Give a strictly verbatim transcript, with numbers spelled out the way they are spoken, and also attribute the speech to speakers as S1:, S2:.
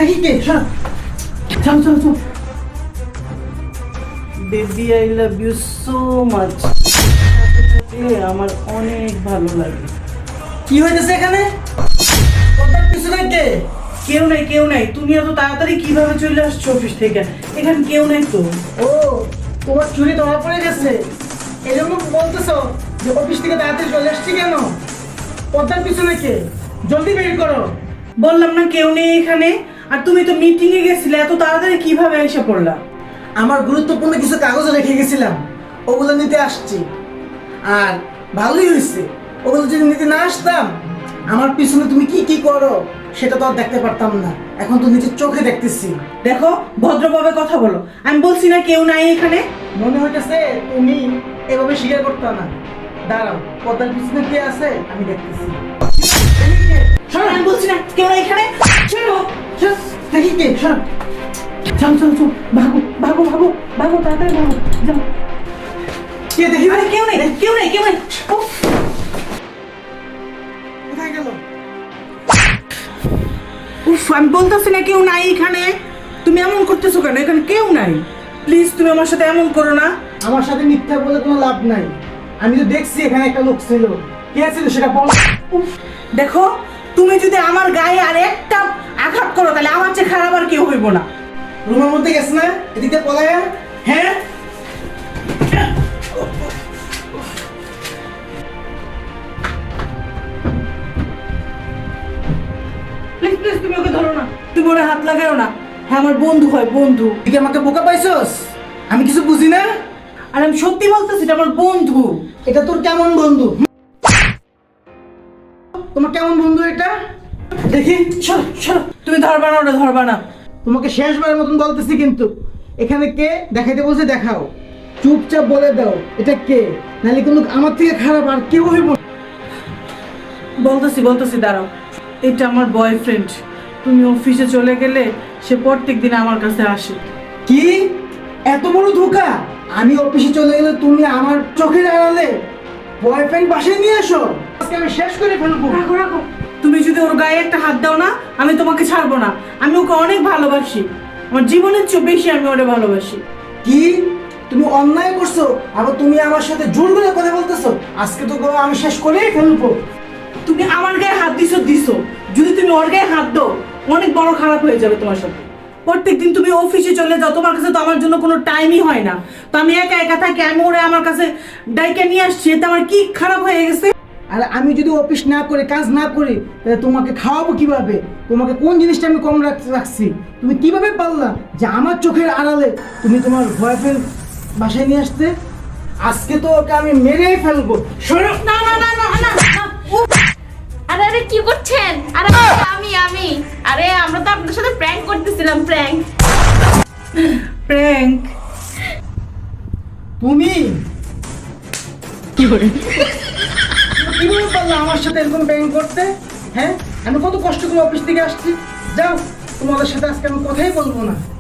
S1: দেখি কে চল চল চল চল baby I love you so much. আমার অনেক ভালো লাগে। কি হইতেছে এখানে? পর্দার পিছনে কে? কেউ নাই কেউ নাই। তুমি এত তাড়াতাড়ি কিভাবে চলে আসছো অফিস থেকে? এখানে কেউ নাই তো। ও তোমার চুরি ধরা পড়ে গেছে, এই জন্য বলতেছো যে অফিস থেকে তাড়াতাড়ি চলে আসছি কেন? পর্দার পিছনে কে? জলদি বের করো। বললাম না কেউ নেই এখানে। আর তুমি তো মিটিং এ গেছিলে, এত তাড়াতাড়ি কিভাবে এসে পড়লা? আমার গুরুত্বপূর্ণ কিছু কাগজ রেখে গেছিলাম, ওগুলো নিতে আসছি। আর ভালোই হয়েছে, ওগুলো যদি নিতে না আসতাম আমার পিছনে তুমি কি কি করো সেটা তো আর দেখতে পারতাম না। এখন তো নিজের চোখে দেখতেছি। দেখো ভদ্রভাবে কথা বলো। আমি বলছি না কেউ নাই এখানে। মনে হইতেছে তুমি এভাবে স্বীকার করতে না। দাঁড়াও, পর্দার পিছনে কে আছে আমি দেখতেছি। শোনো, আমি বলছি না কেউ নাই এখানে। চলো চল দেখি কে। শোনো চল চল চল ভাগো ভাগো ভাগো ভাগো তাড়াতাড়ি ভাগো। যাও। কে দেখি? আরে কেউ নেই কেউ নেই কেউ নেই। উফ, কোথায় গেল? উফ, আমি বলতেছি না কেউ নাই এখানে। তুমি এমন করতেছো কেন? এখানে কেউ নাই। প্লিজ তুমি আমার সাথে এমন করো না। আমার সাথে মিথ্যা বলে কোনো লাভ নাই। আমি তো দেখছি এখানে একটা লোক ছিল। কে ছিল সেটা বল। উফ, দেখো তুমি যদি আমার গায়ে আর একটা আঘাত করো তাহলে আমার চেয়ে খারাপ আর কেউ হইব না। রুমের মধ্যে গেছ না? এদিকে পলায়া। হ্যাঁ প্লিজ প্লিজ তুমি ওকে ধরো না। তুমি ওরে হাত লাগাও না। হ্যাঁ আমার বন্ধু হয়, বন্ধু। তুই কি আমাকে বোকা পাইছস? আমি কিছু বুঝি না। আর আমি সত্যি বলতেছি এটা আমার বন্ধু। এটা তোর কেমন বন্ধু? তোমার কেমন বন্ধু এটা? দেখি চল চল। তুমি ধরবা না, ওটা ধরবা না। তোমাকে শেষবারের মতন বলতেছি কিন্তু এখানে কে দেখাইতে বলছে দেখাও। চুপচাপ বলে দাও এটা কে, নাহলে কিন্তু আমার থেকে খারাপ আর কেউ হইব। বলতেছি বলতেছি দাঁড়াও। এটা আমার বয়ফ্রেন্ড। তুমি অফিসে চলে গেলে সে প্রত্যেক দিন আমার কাছে আসে। কি এত বড় ধোঁকা? আমি অফিসে চলে গেলে তুমি আমার চোখের আড়ালে বয়ফ্রেন্ড বাসায় নিয়ে আসো? আজকে আমি শেষ করে ফেলবো। রাখো রাখো। তুমি যদি ওর গায়ে একটা হাত দাও না আমি তোমাকে ছাড়বো না। আমি ওকে অনেক ভালোবাসি, আমার জীবনের চেয়ে বেশি আমি ওরে ভালোবাসি। কি তুমি অন্যায় করছো? আবার তুমি আমার সাথে জোর করে কথা বলতেছো? আজকে তো আমি শেষ করেই ফেলবো। তুমি আমার গায়ে হাত দিছো দিছো, যদি তুমি ওর গায়ে হাত দাও অনেক বড় খারাপ হয়ে যাবে তোমার সাথে। প্রত্যেকদিন তুমি অফিসে চলে যাও, তোমার কাছে তো আমার জন্য কোনো টাইমই হয় না। তো আমি একা একা থাকি, আমি ওরে আমার কাছে ডাইকে নিয়ে আসছি, এতে আমার কি খারাপ হয়ে গেছে? আর আমি যদি অফিস না করে কাজ না করি তাহলে তোমাকে খাওয়াবো কিভাবে? তোমাকে কোন জিনিসটা আমি কম রাখছি? তুমি কিভাবে পারলা যে আমার চোখের আড়ালে তুমি তোমার বয়ফ্রেন্ড বাসায় নিয়ে আসতে? আজকে তো ওকে আমি মেরেই ফেলবো। শোনো
S2: না না না না না না। উফ! আরে আরে কি করছেন? আরে আমি আমি আরে আমরা তো আপনাদের সাথে প্র্যাঙ্ক করতেছিলাম। Prank
S1: prank? তুমি কি করে কিভাবে পারলা আমার সাথে এরকম প্র্যাঙ্ক করতে? হ্যাঁ আমি কত কষ্ট করে অফিস থেকে আসছি। যাও তোমাদের সাথে আজকে আমি কথাই বলবো না।